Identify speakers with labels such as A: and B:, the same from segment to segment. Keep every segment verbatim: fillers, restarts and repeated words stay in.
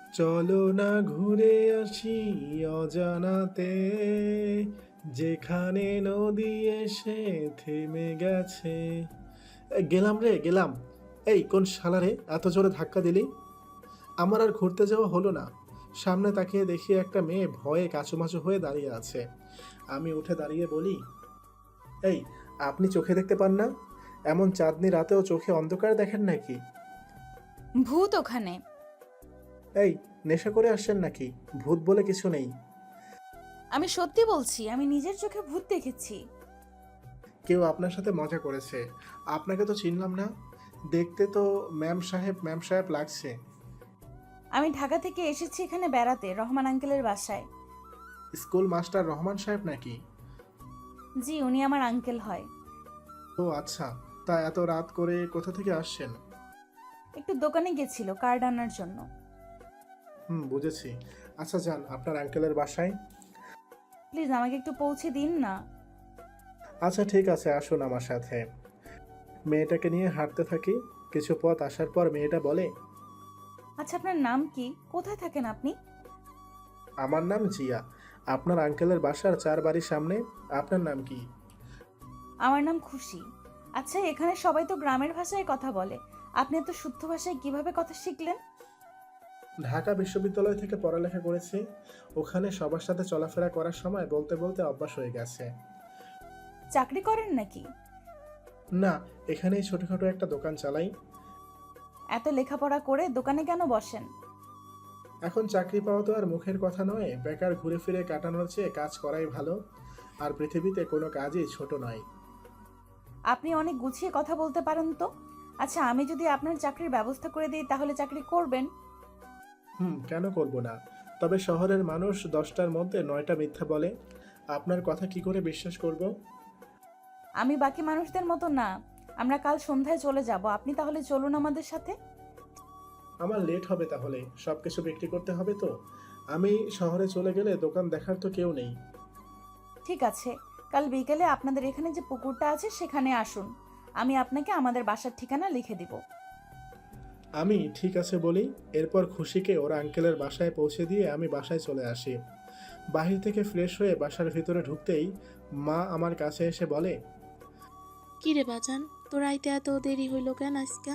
A: চলো না ঘুরে আসি অজানাতে, যেখানে নদী এসে থেমে গেছে। এ, গেলাম রে গেলাম। এই কোন শালা রে এত জোরে ধাক্কা দিলি? আমার আর ঘুরতে যাওয়া হলো না। সামনে তাকিয়ে দেখি একটা মেয়ে ভয়ে কাচুমাচু হয়ে দাঁড়িয়ে আছে। আমি উঠে দাঁড়িয়ে বলি, এই, আপনি চোখে দেখতে পান না? এমন চাঁদনি রাতেও চোখে অন্ধকার দেখেন নাকি?
B: ভূত ওখানে।
A: এই, নেশা করে আসছেন নাকি? ভূত বলে কিছু নেই।
B: আমি সত্যি বলছি, আমি নিজের চোখে ভূত দেখেছি।
A: কেউ আপনার সাথে মজা করেছে। আপনাকে তো চিনলাম না। দেখতে তো ম্যাম সাহেব ম্যাম সাহেব লাগছে।
B: আমি ঢাকা থেকে এসেছি এখানে বেড়াতে, রহমান আঙ্কেলের বাসায়।
A: স্কুল মাস্টার রহমান সাহেব নাকি?
B: জি, উনি আমার আঙ্কেল হয়।
A: ও আচ্ছা। তা এত রাত করে কোথা থেকে আসছেন?
B: একটু দোকানে গেছিল কার্ড আনার জন্য।
A: হুম, বুঝেছি। আচ্ছা, যান আপনার আঙ্কেলের বাসায়।
B: প্লিজ আমাকে একটু পৌঁছে দিন না।
A: আচ্ছা ঠিক আছে, আসুন আমার সাথে। মেয়েটাকে নিয়ে হাঁটতে থাকি। কিছু পথ আসার পর মেয়েটা বলে,
B: আচ্ছা, আপনার নাম কি? কোথায় থাকেন আপনি?
A: আমার নাম জিয়া। আপনার আঙ্কেলের বাসার চার বাড়ির সামনে। আপনার নাম কি?
B: আমার নাম খুশি। আচ্ছা, এখানে সবাই তো গ্রামের ভাষায় কথা বলে, আপনি এত শুদ্ধ ভাষায় কিভাবে কথা শিখলেন?
A: ঢাকা বিশ্ববিদ্যালয় থেকে পড়ালেখা করেছি। ওখানে সবার সাথে চলাফেরা করার সময় বলতে বলতে অভ্যাস হয়ে গেছে।
B: চাকরি করেন নাকি?
A: না, এখানেই ছোটখাটো একটা দোকান চালাই।
B: এত লেখাপড়া করে দোকানে কেন বসেন?
A: এখন চাকরি পাওয়া তো আর মুখের কথা নয়। বেকার ঘুরে ফিরে কাটানোর চেয়ে কাজ করাই ভালো। আর পৃথিবীতে কোনো কাজই ছোট নয়।
B: আপনি অনেক গুছিয়ে কথা বলতে পারেন তো। আচ্ছা, আমি যদি আপনার চাকরির ব্যবস্থা করে দিই তাহলে চাকরি করবেন?
A: হুম, কেন করব না? তবে শহরের মানুষ দশটার মধ্যে নয়টা মিথ্যা বলে। আপনার কথা কি করে বিশ্বাস করব?
B: আমি বাকি মানুষদের মতো না। আমরা কাল সন্ধ্যায় চলে যাব, আপনি তাহলে চলুন আমাদের সাথে।
A: আমার লেট হবে তাহলে। সব কিছু বিক্রি করতে হবে তো। আমি শহরে চলে গেলে দোকান দেখার তো কেউ নেই।
B: ঠিক আছে, কাল বিকেলে আপনাদের এখানে যে পুকুরটা আছে সেখানে আসুন। আমি আপনাকে আমাদের বাসার ঠিকানা লিখে দিব।
A: আমি ঠিক আছে বলি। এরপর খুশিকে ওর আঙ্কেলের বাসায় পৌঁছে দিয়ে আমি বাসায় চলে আসি। বাহির থেকে ফ্রেশ হয়ে বাসার ভিতরে ঢুকতেই মা আমার কাছে এসে বলে,
C: কি রে বাজান, তোর আইতে এত দেরি হইল কেন আজকা?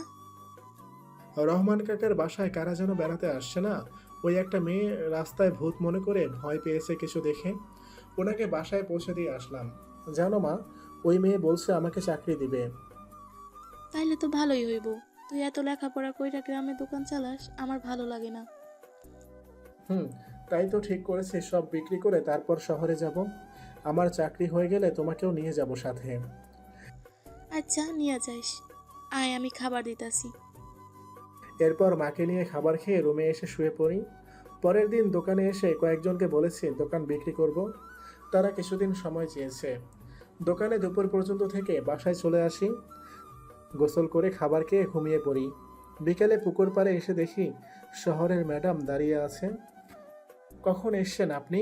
A: রহমান কাকার বাসায় কারা যেন বেড়াতে আসছে না? ওই একটা মেয়ে রাস্তায় ভূত মনে করে ভয় পেয়েছে কিছু দেখে। ওনাকে বাসায় পৌঁছে দিয়ে আসলাম। জানো মা, ওই মেয়ে বলছে আমাকে চাকরি দিবে।
C: তাইলে তো ভালোই হইব। তুই এত লেখাপড়া কইরা গ্রামে দোকান চালাস, আমার ভালো লাগে না।
A: হুম, তাই তো ঠিক করেছে, সব বিক্রি করে তারপর শহরে যাব। আমার চাকরি হয়ে গেলে তোমাকেও নিয়ে যাব সাথে।
C: আচ্ছা, নিয়ে যাইস। আয়, আমি খাবার দিতাছি।
A: এরপর মাকে নিয়ে খাবার খেয়ে রুমে এসে শুয়ে পড়ি। পরের দিন দোকানে এসে কয়েকজনকে বলেছি দোকান বিক্রি করব। তারা কিছুদিন সময় চেয়েছে। দোকানে দুপুর পর্যন্ত থেকে বাসায় চলে আসি। গোসল করে খাবার খেয়ে ঘুমিয়ে পড়ি। বিকেলে পুকুর পাড়ে এসে দেখি শহরের ম্যাডাম দাঁড়িয়ে আছে। কখন এসছেন আপনি?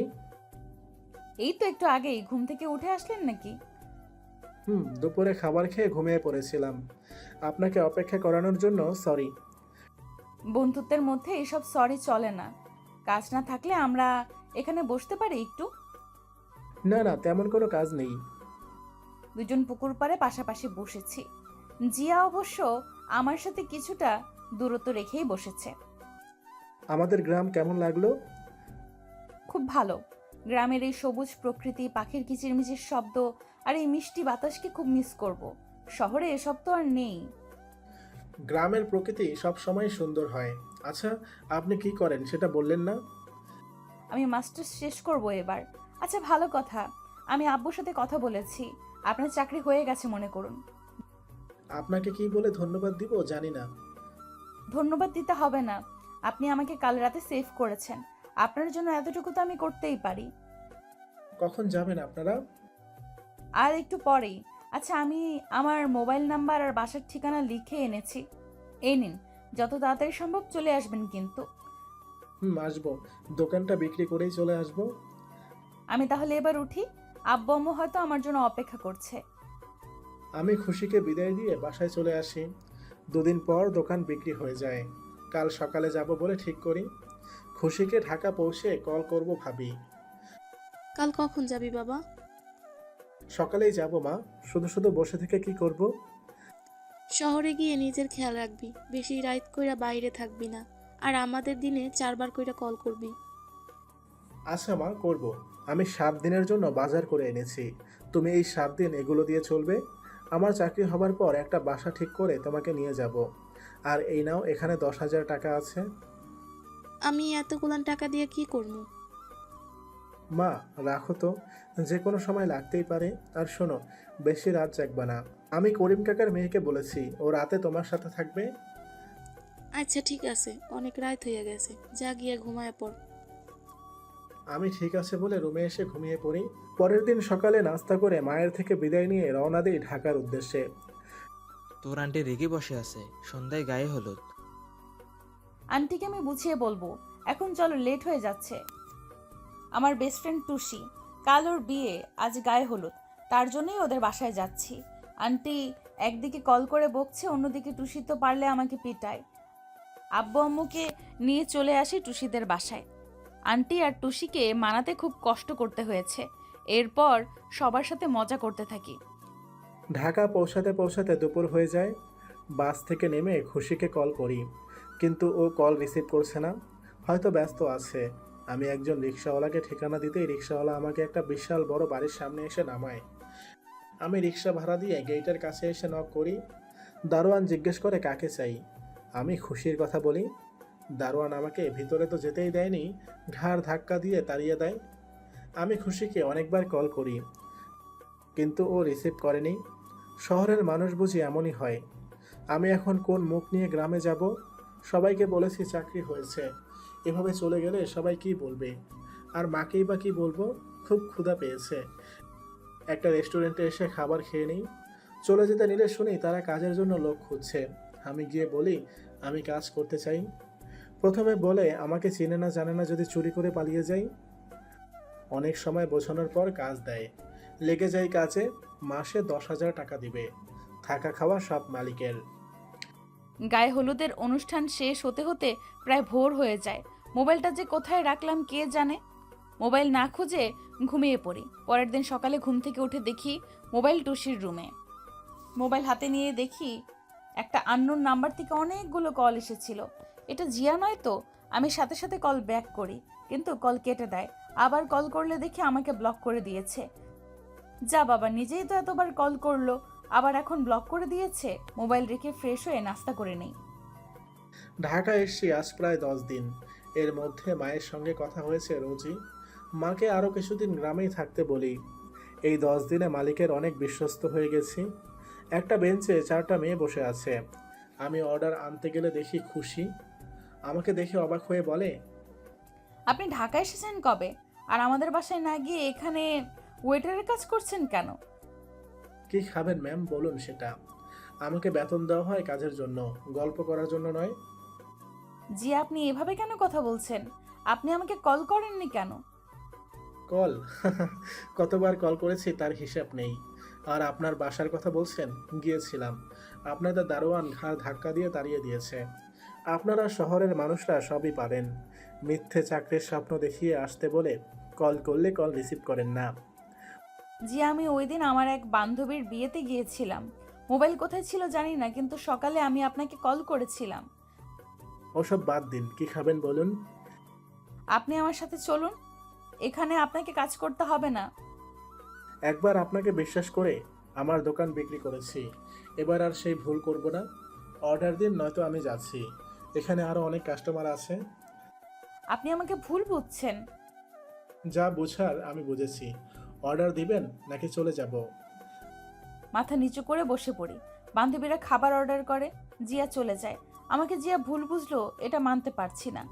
B: এই তো একটু আগেই ঘুম থেকে উঠে আসলেন নাকি?
A: হুম, দুপুরে খাবার খেয়ে ঘুমিয়ে পড়েছিলাম। আপনাকে অপেক্ষা করানোর জন্য সরি।
B: বন্ধুত্বের মধ্যে এসব সরি চলে না। কাজ না থাকলে আমরা এখানে বসতে পারি একটু।
A: না না, তেমন কোনো কাজ নেই।
B: দুজন পুকুর পাড়ে পাশাপাশি বসেছি। জিয়া অবশ্য আমার সাথে কিছুটা দূরত্ব রেখেই বসেছে।
A: আমাদের গ্রাম কেমন লাগলো?
B: খুব ভালো। গ্রামের এই সবুজ প্রকৃতি, পাখির কিচিরমিচির শব্দ আর এই মিষ্টি বাতাসকে খুব মিস করব। শহরে এসব তো আর নেই।
A: গ্রামের প্রকৃতি সব সময় সুন্দর হয়। আচ্ছা, আপনি কি করেন সেটা বললেন না?
B: আমি মাস্টার্স শেষ করব এবার। আচ্ছা, ভালো কথা। আমি আব্বুর সাথে কথা বলেছি, আপনার চাকরি হয়ে গেছে মনে করুন।
A: আপনাকে কি বলে ধন্যবাদ দিব জানি না।
B: ধন্যবাদ দিতে হবে না। আপনি আমাকে কাল রাতে সেভ করেছেন। আপনার জন্য এতটুকু তো আমি করতেই পারি।
A: কখন যাবেন আপনারা?
B: আর একটু পরেই। আচ্ছা, আমি আমার মোবাইল নাম্বার আর বাসার ঠিকানা লিখে এনেছি। এই নিন, যত তাড়াতাড়ি সম্ভব চলে আসবেন কিন্তু।
A: হুম, আসবো। দোকানটা বিক্রি করেই চলে আসবো।
B: আমি তাহলে এবার উঠি। আব্বু আম্মু হয়তো আমার জন্য অপেক্ষা করছে।
A: আমি খুশিকে বিদায় দিয়ে বাসায় চলে আসি। দুদিন পর দোকান বিক্রি হয়ে যায়। কাল সকালে যাব বলে ঠিক করি। খুশিকে ঢাকা পৌঁছে কল করব ভাবি।
C: কাল কখন যাবি বাবা?
A: সকালেই যাব মা, শুধু শুধু বসে থেকে কি করব?
C: শহরে গিয়ে নিজের খেয়াল রাখবি, বেশি রাত কইরা বাইরে থাকবি না। আর আমাদের দিনে চারবার কইরা কল করবি।
A: আচ্ছা মা, করব। আমি সাত দিনের জন্য বাজার করে এনেছি, তুমি এই সাত দিন এগুলো দিয়ে চলবে। আমার চাকরি হবার পর একটা বাসা ঠিক করে তোমাকে নিয়ে যাব। আর এই নাও, এখানে দশ হাজার টাকা আছে।
C: আমি এতগুলান টাকা দিয়ে কি করবো?
A: মা, রাখো তো, যে কোনো সময় লাগতেই পারে। আর শোনো, বেশি রাত জাগবা না। আমি করিম কাকার মেয়েকে বলেছি ও রাতে তোমার সাথে থাকবে।
C: আচ্ছা ঠিক আছে, অনেক রাত হয়ে গেছে, যা গিয়ে ঘুমায় পড়।
A: আমি ঠিক আছে বলে রুমে এসে ঘুমিয়ে পড়ি। পরের দিন সকালে নাস্তা করে মায়ের থেকে বিদায় নিয়ে রওনা দিই ঢাকার উদ্দেশ্যে।
D: তোর আন্টি রেগে বসে আছে, সন্ধ্যায় গায়ে হলুদ।
B: আন্টিকে আমি বুঝিয়ে বলবো, এখন চলো, লেট হয়ে যাচ্ছে। আমার বেস্ট ফ্রেন্ড টুসি, কাল ওর বিয়ে, আজ গায়ে হলুদ, তার জন্যই ওদের বাসায় যাচ্ছি। আন্টি একদিকে কল করে বকছে, অন্যদিকে টুসি তো পারলে আমাকে পিটায়। আব্বু আম্মুকে নিয়ে চলে আসি টুসিদের বাসায়। আন্টি আর টুসিকে মানাতে খুব কষ্ট করতে হয়েছে। এরপর সবার সাথে মজা করতে থাকি।
A: ঢাকা পৌঁছাতে পৌঁছাতে দুপুর হয়ে যায়। বাস থেকে নেমে খুশিকে কল করি, কিন্তু ও কল রিসিভ করছে না, হয়তো ব্যস্ত আছে। আমি একজন রিক্সাওয়ালাকে ঠিকানা দিতেই রিক্সাওয়ালা আমাকে একটা বিশাল বড় বাড়ির সামনে এসে নামায়। আমি রিক্সা ভাড়া দিয়ে গেটের কাছে এসে নক করি। দারোয়ান জিজ্ঞেস করে কাকে চাই। আমি খুশির কথা বলি। দারোয়ান আমাকে ভিতরে তো যেতেই দেয়নি, ঘাড় ধাক্কা দিয়ে তাড়িয়ে দেয়। আমি খুশিকে অনেকবার কল করি, কিন্তু ও রিসিভ করেনি। শহরের মানুষ বুঝি এমনই হয়। আমি এখন কোন মুখ নিয়ে গ্রামে যাব? সবাইকে বলেছি চাকরি হয়েছে, এভাবে চলে গেলে সবাই কি বলবে? আর মাকেই বা কি বলবো? খুব ক্ষুধা পেয়েছে, একটা রেস্টুরেন্টে এসে খাবার খেয়ে নিই। চলে যেতে নিলে শুনি তারা কাজের জন্য লোক খুঁজছে। আমি গিয়ে বলি আমি কাজ করতে চাই। প্রথমে বলে আমাকে চেনে না জানে না, যদি চুরি করে পালিয়ে যাই। অনেক সময় বোঝানোর পর কাজ দেয়, লেগে যাই কাজে। মাসে দশ হাজার টাকা দিবে, থাকা খাওয়া সব মালিকের।
B: গায়ে হলুদের অনুষ্ঠান শেষ হতে হতে প্রায় ভোর হয়ে যায়। মোবাইলটা যে কোথায় রাখলাম কে জানে। মোবাইল না খুঁজে ঘুমিয়ে পড়ি। পরের দিন সকালে ঘুম থেকে উঠে দেখি মোবাইল টুসির রুমে। মোবাইল হাতে নিয়ে দেখি একটা আননোন নাম্বার থেকে অনেকগুলো কল এসেছিল। এটা জিয়া নয় তো? আমি সাথে সাথে কল ব্যাক করি, কিন্তু কল কেটে দেয়। আবার কল করলে দেখি আমাকে ব্লক করে দিয়েছে। যা বাবা, নিজেই তো এতবার কল করলো, আবার এখন ব্লক করে দিয়েছে। মোবাইল রেখে ফ্রেশ হয়ে নাস্তা করে নেই।
A: ঢাকা এসছি আজ প্রায় দশ দিন। এর মধ্যে মায়ের সঙ্গে কথা হয়েছে রোজই। মাকে আরও কিছুদিন গ্রামেই থাকতে বলি। এই দশ দিনে মালিকের অনেক বিশ্বস্ত হয়ে গেছি। একটা বেঞ্চে চারটা মেয়ে বসে আছে। আমি অর্ডার আনতে গেলে দেখি খুশি আমাকে দেখে অবাক হয়ে বলে,
B: আপনি ঢাকা এসেছেন কবে? আর আমাদের বাসায় না গিয়ে এখানে ওয়েটারের কাজ করছেন কেন?
A: কি খাবেন ম্যাম বলুন সেটা। আমাকে বেতন দেওয়া হয় কাজের জন্য, গল্প করার জন্য নয়।
B: জি, আপনি এভাবে কেন কথা বলছেন? আপনি আমাকে কল করেননি কেন?
A: কল? কতবার কল করেছি তার হিসাব নেই। আর আপনার বাসার কথা বলছেন, গিয়েছিলাম। আপনাদের দারোয়ান ঘাড় ধাক্কা দিয়ে তাড়িয়ে দিয়েছে। আপনারা শহরের মানুষরা সবই পারেন, মিথ্যে চাকরির স্বপ্ন দেখিয়ে আসতে বলে কল করলে কল রিসিভ করেন না।
B: জি, আমি ওই দিন আমার এক বান্ধবীর বিয়েতে গিয়েছিলাম। মোবাইল কোথায় ছিল জানি না, কিন্তু সকালে আমি আপনাকে কল করেছিলাম।
A: ওসব বাদ দিন, কি খাবেন বলুন।
B: আপনি আমার সাথে চলুন, এখানে আপনাকে কাজ করতে হবে না।
A: একবার আপনাকে বিশ্বাস করে আমার দোকান বিক্রি করেছি, এবার আর সেই ভুল করব না। অর্ডার দিন, নয়তো আমি যাচ্ছি। এখানে আরও অনেক কাস্টমার আছে।
B: আপনি আমাকে ভুল বুঝছেন।
A: যা বুঝার আমি বুঝেছি। অর্ডার দিবেন নাকি চলে যাব?
B: মাথা নিচু করে বসে পড়ি। বান্ধবীরা খাবার অর্ডার করে, জিয়া চলে যায়। আমাকে জিয়া ভুল বুঝলো, এটা মানতে পারছি না।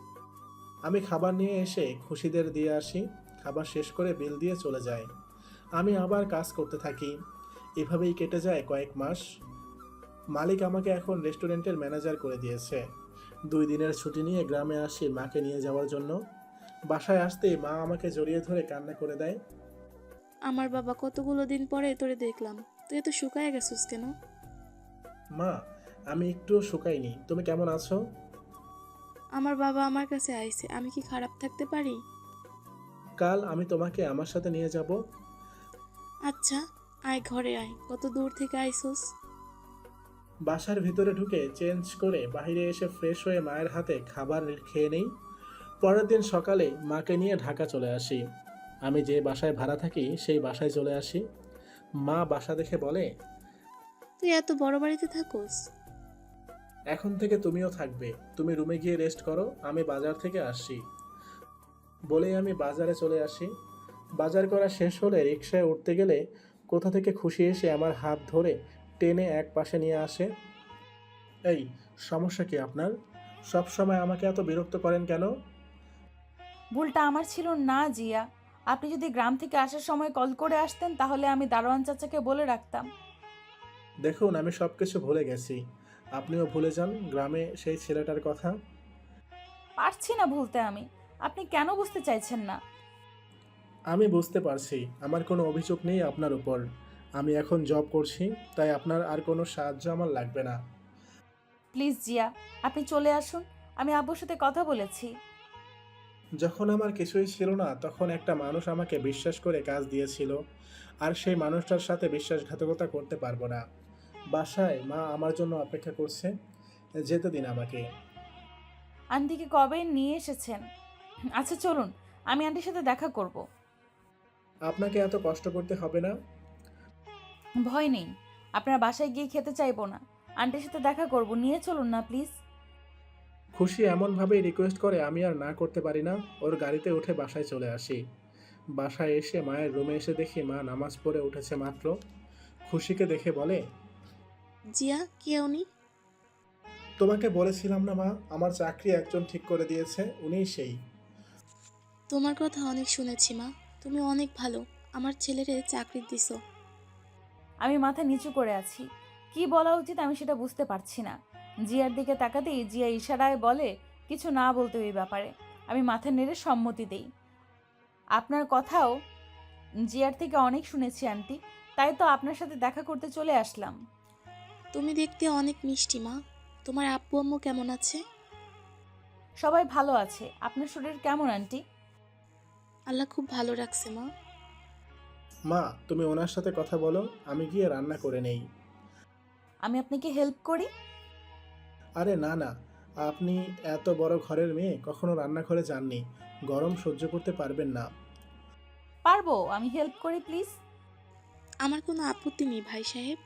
A: আমি খাবার নিয়ে এসে খুশিদের দিয়ে আসি। খাবার শেষ করে বিল দিয়ে চলে যায়। আমি আবার কাজ করতে থাকি। এভাবেই কেটে যায় কয়েক মাস। মালিক আমাকে এখন রেস্টুরেন্টের ম্যানেজার করে দিয়েছে। দুই দিনের ছুটি নিয়ে গ্রামে আসি মাকে নিয়ে যাওয়ার জন্য। বাসায় আসতেই মা আমাকে জড়িয়ে ধরে কান্না করে দেয়।
C: আমার বাবা, কতগুলো দিন পরে তোরে দেখলাম, তুই এত শুকায় গেছিস কেন?
A: মা, আমি একটুও শুকাইনি। তুমি কেমন আছো?
C: আমার বাবা আমার কাছে আইছে, আমি কি খারাপ থাকতে পারি?
A: কাল আমি তোমাকে আমার সাথে নিয়ে যাব।
C: আচ্ছা, আয় ঘরে আয়, কত দূর থেকে আইসোস?
A: বাসার ভিতরে ঢুকে চেঞ্জ করে বাইরে এসে ফ্রেশ হয়ে মায়ের হাতে খাবার খেয়ে নেই। পরের দিন সকালে মাকে নিয়ে ঢাকা চলে আসি। আমি যে বাসায় ভাড়া থাকি সেই বাসায় চলে আসি। মা বাসা দেখে বলে,
C: তুই এত বড় বাড়িতে থাকোস?
A: এখন থেকে তুমিও থাকবে, তুমি রুমে গিয়ে রেস্ট করো, আমি বাজার থেকে আসছি। বলেই আমি বাজারে চলে আসি। বাজার করা শেষ হলে রিকশায় উঠতে গেলে কোথা থেকে খুশি এসে আমার হাত ধরে টেনে এক পাশে নিয়ে আসে। এই, সমস্যা কি আপনার? সব সময় আমাকে এত বিরক্ত করেন কেন?
B: ভুলটা আমার ছিল না জিয়া। আপনি যদি গ্রাম থেকে আসার সময় কল করে আসতেন তাহলে আমি দারোয়ান চাচাকে বলে রাখতাম।
A: দেখুন, আমি সব কিছু ভুলে গেছি, আপনিও ভুলে যান গ্রামে সেই ছেলেটার কথা।
B: পারছি না ভুলতে আমি। আপনি কেন বুঝতে চাইছেন না?
A: আমি বুঝতে পারছি, আমার কোনো অভিযোগ নেই আপনার উপর। আমি এখন জব করছি, তাই আপনার আর কোনো সাহায্য আমার লাগবে না।
B: প্লিজ জিয়া, আপনি চলে আসুন। আমি আব্বুর সাথে কথা বলেছি।
A: যখন আমার কিছুই ছিল না তখন একটা মানুষ আমাকে বিশ্বাস করে কাজ দিয়েছিল, আর সেই মানুষটার সাথে বিশ্বাসঘাতকতা করতে পারবো না। বাসায় মা আমার জন্য অপেক্ষা করছে, যেতে দিন আমাকে।
B: আন্টিকে কবে নিয়ে এসেছেন? আচ্ছা চলুন, আমি আন্টির সাথে দেখা করব।
A: আপনাকে এত কষ্ট করতে হবে না।
B: ভয় নেই, আপনার বাসায় গিয়ে খেতে চাইবো না। আন্টির সাথে দেখা করব, নিয়ে চলুন না প্লিজ।
A: খুশি এমনভাবেই রিকোয়েস্ট করে আমি আর না করতে পারি না। ওর গাড়িতে উঠে বাসায় চলে আসি। বাসায় এসে মায়ের রুমে এসে দেখি মা নামাজ পড়ে উঠেছে মাত্র। খুশিকে দেখে বলে,
C: জিয়া, কে উনি?
A: তোমাকে বলেছিলাম না মা, আমার চাকরি একজন ঠিক করে দিয়েছে, উনিই সেই।
C: তোমার কথা অনেক শুনেছি মা, তুমি অনেক ভালো, আমার ছেলেরে চাকরি দিছো।
B: আমি মাথা নিচু করে আছি। কি বলা উচিত আমি সেটা বুঝতে পারছি না। জিয়ার দিকে তাকাতেই জিয়া ইশারায় বলে কিছু না বলতে ওই ব্যাপারে। আমি মাথা নেড়ে সম্মতি দেই। আপনার কথাও জিয়ার থেকে অনেক শুনেছি আন্টি, তাই তো আপনার সাথে দেখা করতে চলে আসলাম।
C: তুমি দেখতে অনেক মিষ্টি মা। তোমার আব্বু আম্মু কেমন আছে?
B: সবাই ভালো আছে। আপনার শরীর কেমন আন্টি?
C: আল্লাহ খুব ভালো রাখছে মা।
A: মা, তুমি ওনার সাথে কথা বলো, আমি গিয়ে রান্না করে নেই।
B: আমি আপনাকে হেল্প করি?
A: আরে না না, আপনি এত বড় ঘরের মেয়ে, কখনো রান্নাঘরে যাননি, গরম সহ্য করতে পারবেন না।
B: পারবো, আমি হেল্প করি প্লিজ।
C: আমার কোনো আপত্তি নেই ভাই সাহেব।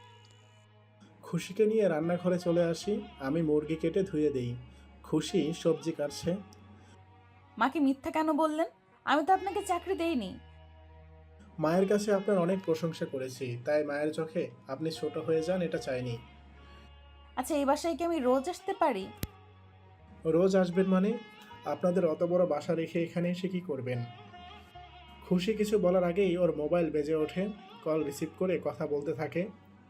A: খুশিকে নিয়ে রান্নাঘরে চলে আসি। আমি মুরগি কেটে ধুয়ে দেই, খুশি সবজি কাটছে।
B: মাকে মিথ্যা কেন বললেন? আমি তো আপনাকে চাকরি দেইনি।
A: মায়ের কাছে আপনার অনেক প্রশংসা করেছি, তাই মায়ের চোখে আপনি ছোট হয়ে যান এটা চাইনি।
B: আচ্ছা, এই বাসায় কি আমি রোজ আসতে পারি?
A: রোজ আসবেন মানে? আপনাদের অত বড় বাসা রেখে এখানে এসে কি করবেন? খুশি কিছু বলার আগেই ওর মোবাইল বেজে ওঠে। কল রিসিভ করে কথা বলতে থাকে।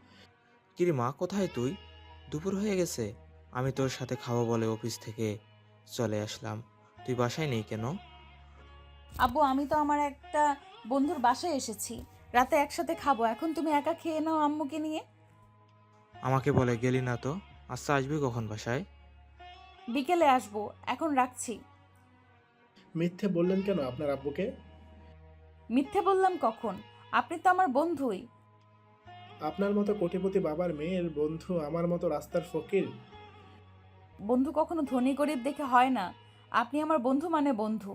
D: কিরে মা, কোথায় তুই? দুপুর হয়ে গেছে। আমি তোর সাথে খাবো বলে অফিস থেকে চলে আসলাম, তুই বাসায় নেই কেন?
B: আব্বু, আমি তো আমার একটা বন্ধুর বাসায় এসেছি, রাতে একসাথে খাবো। এখন তুমি একা খেয়ে নাও আম্মুকে নিয়ে।
D: আমাকে বলে গেলি না তো। আচ্ছা, আসবি কখন বাসায়?
B: বিকেলে আসবো, এখন রাখছি।
A: মিথ্যে বললেন কেন আপনার আব্বুকে?
B: মিথ্যে বললাম কখন? আপনি তো আমার বন্ধুই।
A: আপনার মতো কোটিপতি বাবার মেয়ের বন্ধু আমার মতো রাস্তার ফকির?
B: বন্ধু কখনো ধনী গরিব দেখে হয় না। আপনি আমার বন্ধু মানে বন্ধু।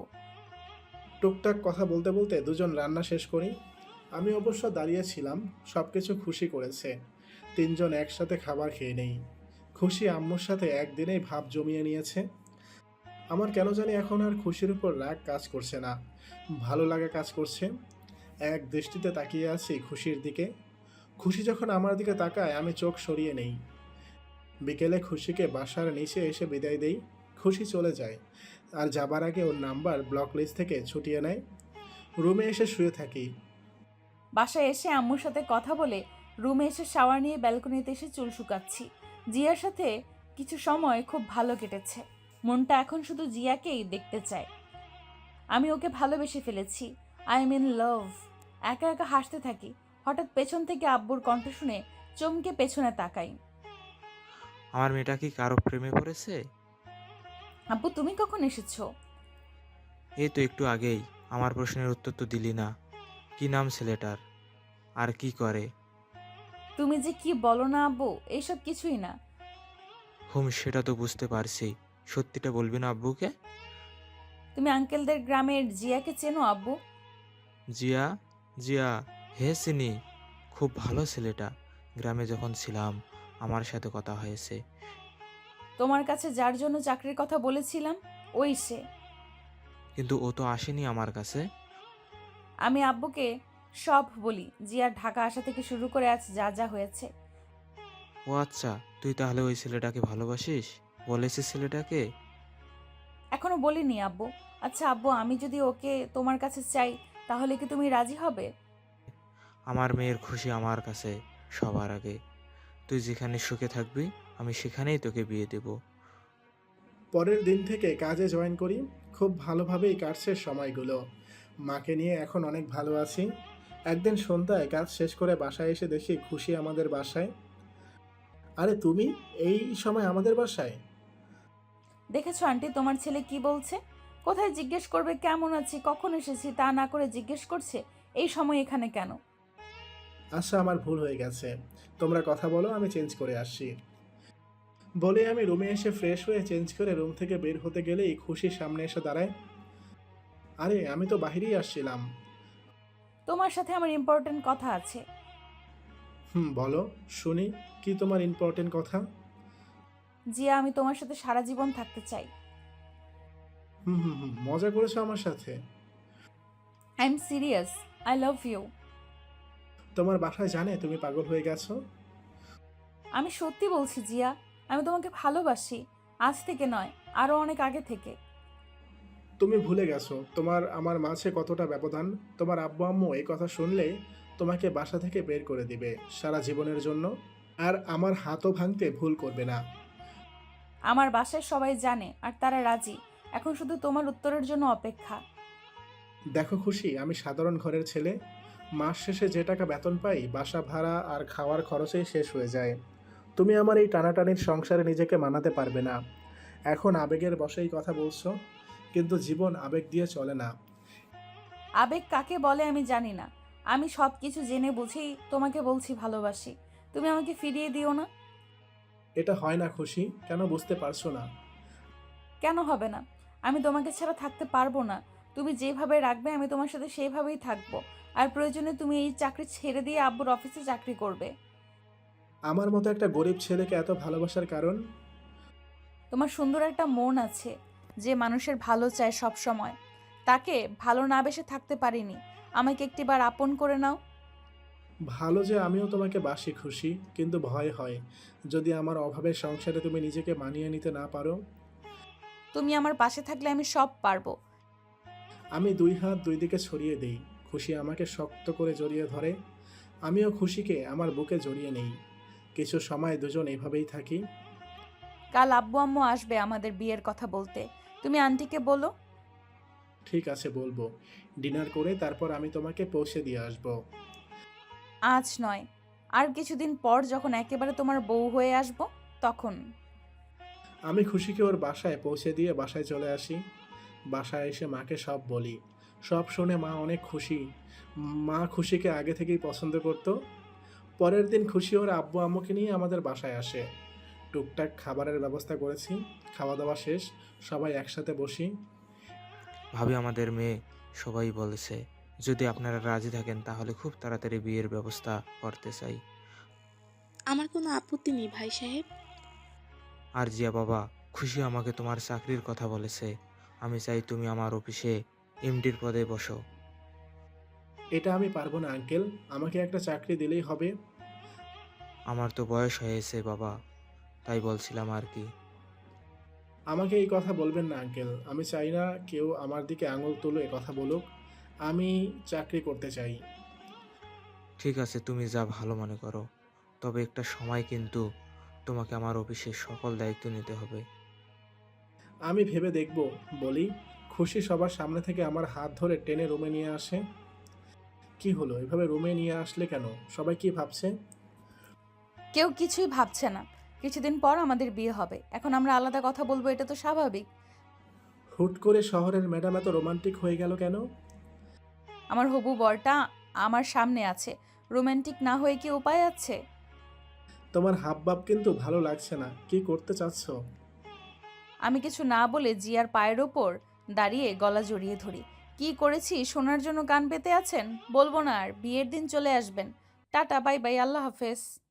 A: টুকটাক কথা বলতে বলতে দুজন রান্না শেষ করি। আমি অবশ্য দাঁড়িয়েছিলাম, সব কিছু খুশি করেছে। তিনজন একসাথে খাবার খেয়ে নেই। খুশি আম্মুর সাথে একদিনেই ভাব জমিয়ে নিয়েছে। আমার কেন জানি এখন আর খুশির উপর রাগ কাজ করছে না, ভালো লাগা কাজ করছে। এক দৃষ্টিতে তাকিয়ে আছি খুশির দিকে। খুশি যখন আমার দিকে তাকায় আমি চোখ সরিয়ে নেই। বিকেলে খুশিকে বাসার নিচে এসে বিদায় দেই। খুশি চলে যায়, আর যাবার আগে ওর নাম্বার ব্লক লিস্ট থেকে ছুটিয়ে নেয়। রুমে এসে শুয়ে থাকি।
B: বাসায় এসে আম্মুর সাথে কথা বলে রুমে এসে শাওয়ার নিয়ে ব্যালকনিতে এসে চুল শুকাচ্ছি। জিয়ার সাথে কিছু সময় খুব ভালো কেটেছে। মনটা এখন শুধু জিয়াকেই দেখতে চায়। আমি ওকে ভালোবেসে ফেলেছি। I am in love. একা একা হাসতে থাকি। হঠাৎ পেছন থেকে আব্বুর কণ্ঠ শুনে চমকে পেছনে তাকাই।
D: আমার মেয়েটা কি কারো প্রেমে পড়েছে?
B: আব্বু তুমি কখন এসেছো?
D: এই তো একটু আগেই। আমার প্রশ্নের উত্তর তো দিলি না। কি নাম ছেলেটার? আর কি করে?
B: তুমি যে কি বলো না আব্বু, এইসব কিছুই না।
D: হুম, সেটা তো বুঝতে পারছি। সত্যিটা বলবি না আব্বুকে?
B: তুমি আঙ্কেলদের গ্রামের জিয়াকে চেনো আব্বু?
D: জিয়া? জিয়া? হে চিনি। খুব ভালো ছেলেটা। গ্রামে যখন ছিলাম আমার সাথে কথা হয়েছে।
B: তোমার কাছে যার জন্য চাকরির কথা বলেছিলাম, ওই সে।
D: কিন্তু ও তো আসেনি আমার কাছে।
B: আমি আব্বুকে সব বলি, জিয়ার ঢাকা আসা থেকে শুরু করে আজ যা যা হয়েছে।
D: ও আচ্ছা, তুই তাহলে ওই ছেলেটাকে ভালোবাসিস? বলেছিস ছেলেটাকে?
B: এখনো বলিনি আব্বু। আচ্ছা আব্বু, আমি যদি ওকে তোমার কাছে চাই, তাহলে কি তুমি রাজি হবে?
D: আমার মেয়ের খুশি আমার কাছে সবার আগে। তুই যেখানে সুখে থাকবি আমি সেখানেই তোকে বিয়ে দেব।
A: পরের দিন থেকে কাজে জয়েন করি। খুব ভালোভাবেই কাটছে সময়গুলো। মাকে নিয়ে এখন অনেক ভালো আছি। একদিন সন্ধ্যায় কাজ শেষ করে বাসায় এসে দেখি খুশি আমাদের বাসায়। আরে তুমি এই সময় আমাদের বাসায়?
B: দেখেছো আন্টি, তোমার ছেলে কি বলছে? কোথায় জিজ্ঞেস করবে কেমন আছি, কখন এসেছি, তা না করে জিজ্ঞেস করছে এই সময় এখানে কেন।
A: আচ্ছা, আমার ভুল হয়ে গেছে। তোমরা কথা বলো, আমি চেঞ্জ করে আসছি। বলে আমি রুমে এসে ফ্রেশ হয়ে চেঞ্জ করে রুম থেকে বের হতে গেলেই খুশি সামনে এসে দাঁড়ায়। আরে আমি তো বাহিরেই আসছিলাম।
B: তোমার সাথে আমার ইম্পর্টেন্ট কথা আছে।
A: হুম, বলো শুনি। কি তোমার ইম্পর্টেন্ট কথা?
B: জিয়া, আমি তোমার সাথে সারা জীবন থাকতে চাই।
A: হুম হুম হুম মজা করেছো আমার সাথে?
B: I am serious. I love you.
A: তোমার বাসায় জানে তুমি পাগল হয়ে গেছো?
B: আমি সত্যি বলছি জিয়া, আমি তোমাকে ভালোবাসি। আজ থেকে নয়, আরো অনেক আগে থেকে।
A: তুমি ভুলে গেছো তোমার আমার মাঝে কতটা ব্যবধান। তোমার আব্বু আম্মু এই কথা শুনলে তোমাকে বাসা থেকে বের করে দিবে সারা জীবনের জন্য। আর আমার হাতও ভাঙতে ভুল করবে না।
B: আমার বাসায় সবাই জানে আর তারা রাজি। এখন শুধু তোমার উত্তরের জন্য অপেক্ষা।
A: দেখো খুশি, আমি সাধারণ ঘরের ছেলে। মাস শেষে যে টাকা বেতন পাই বাসা ভাড়া আর খাওয়ার খরচেই শেষ হয়ে যায়। তুমি আমার এই টানাটানির সংসারে নিজেকে মানাতে পারবে না। এখন আবেগের বশেই কথা বলছো, কিন্তু জীবন আবেগ দিয়ে চলে না।
B: আবেগ কাকে বলে আমি জানি না। আমি সব কিছু জেনে বুঝেই তোমাকে বলছি ভালোবাসি। তুমি আমাকে ফিরিয়ে দিও না।
A: এটা হয় না খুশি, কেন বুঝতে পারছো না?
B: কেন হবে না? আমি তোমাকে ছাড়া থাকতে পারবো না। তুমি যেভাবে রাখবে আমি তোমার সাথে সেইভাবেই থাকবো। আর প্রয়োজনে তুমি এই চাকরি ছেড়ে দিয়ে আব্বুর অফিসে চাকরি করবে।
A: আমার মতো একটা গরিব ছেলেকে এত ভালোবাসার কারণ?
B: তোমার সুন্দর একটা মন আছে, যে মানুষের ভালো চায় সব সময়। তাকে ভালো না বেসে থাকতে পারিনি। আমাকে একটিবার আপন করে নাও।
A: ভালো যে আমিও তোমাকে বাসি খুশি, কিন্তু ভয় হয় যদি আমার অভাবের সংসারে তুমি নিজেকে মানিয়ে নিতে না পারো।
B: তুমি আমার পাশে থাকলে আমি সব পারবো।
A: আমি দুই হাত দুই দিকে ছড়িয়ে দেই। খুশি আমাকে শক্ত করে জড়িয়ে ধরে। আমিও খুশিকে আমার বুকে জড়িয়ে নেই। কিছু সময় দুজন এইভাবেই থাকি।
B: কাল আব্বু আম্মু আসবে আমাদের বিয়ের কথা বলতে। তুমি আন্টিকে বলো।
A: ঠিক আছে, বলবো। ডিনার করে তারপর আমি তোমাকে পৌঁছে দিয়ে আসবো।
B: আজ নয়, আর কিছুদিন পর যখন একেবারে তোমার বউ হয়ে আসবো, তখন।
A: আমি খুশিকে ওর বাসায় পৌঁছে দিয়ে বাসায় চলে আসি। বাসায় এসে মাকে সব বলি। সব শুনে মা অনেক খুশি। মা খুশিকে আগে থেকেই পছন্দ করতো। পরের দিন খুশি ওর আব্বু আম্মুকে নিয়ে আমাদের বাসায় আসে। টুকটাক খাবারের ব্যবস্থা করেছি। খাওয়া দাওয়া শেষ, সবাই একসাথে বসি।
D: ভাবি আমাদের মেয়ে সবাই বলেছে যদি আপনারা রাজি থাকেন তাহলে খুব তাড়াতাড়ি বিয়ের ব্যবস্থা করতে চাই।
C: আমার কোনো আপত্তি নেই ভাই সাহেব।
D: আর জিয়া বাবা, খুশি আমাকে তোমার চাকরির কথা বলেছে। আমি চাই তুমি আমার অফিসে এমডির পদে বসো।
A: এটা আমি পারবো না আঙ্কেল, আমাকে একটা চাকরি দিলেই হবে।
D: আমার তো বয়স হয়েছে বাবা, তাই বলছিলাম আর কি।
A: আমাকে এই কথা বলবেন না আঙ্কেল, আমি চাই না কেউ আমার দিকে আঙুল তুলে এ কথা বলুক। আমি চাকরি করতে চাই।
D: ঠিক আছে, তুমি যা ভালো মনে করো। তবে একটা সময় কিন্তু তোমাকে আমার অফিসের সকল দায়িত্ব নিতে হবে।
A: আমি ভেবে দেখব। বলি, খুশি সবার সামনে থেকে আমার হাত ধরে টেনে রুমে নিয়ে আসে। কি হলো, এভাবে রুমে নিয়ে আসলে কেন? সবাই কি ভাবছে?
B: কেউ কিছুই ভাবছে না। কিছুদিন পর আমাদের বিয়ে হবে, এখন আমরা আলাদা কথা বলবো, এটা তো স্বাভাবিক।
A: হুট করে শহরের ম্যাডাম এত রোমান্টিক হয়ে গেল কেন?
B: আমার হবু বরটা আমার সামনে আছে, রোমান্টিক না হয়ে কি উপায় আছে?
A: তোমার হাবভাব কিন্তু ভালো লাগছে না, কি করতে চাচ্ছ?
B: আমি কিছু না বলে জিয়ার পায়ের ওপর দাঁড়িয়ে গলা জড়িয়ে ধরি। কি করেছি শোনার জন্য কান পেতে আছেন? বলবো না আর, বিয়ের দিন চলে আসবেন। টাটা, বাই বাই, আল্লাহ হাফেজ।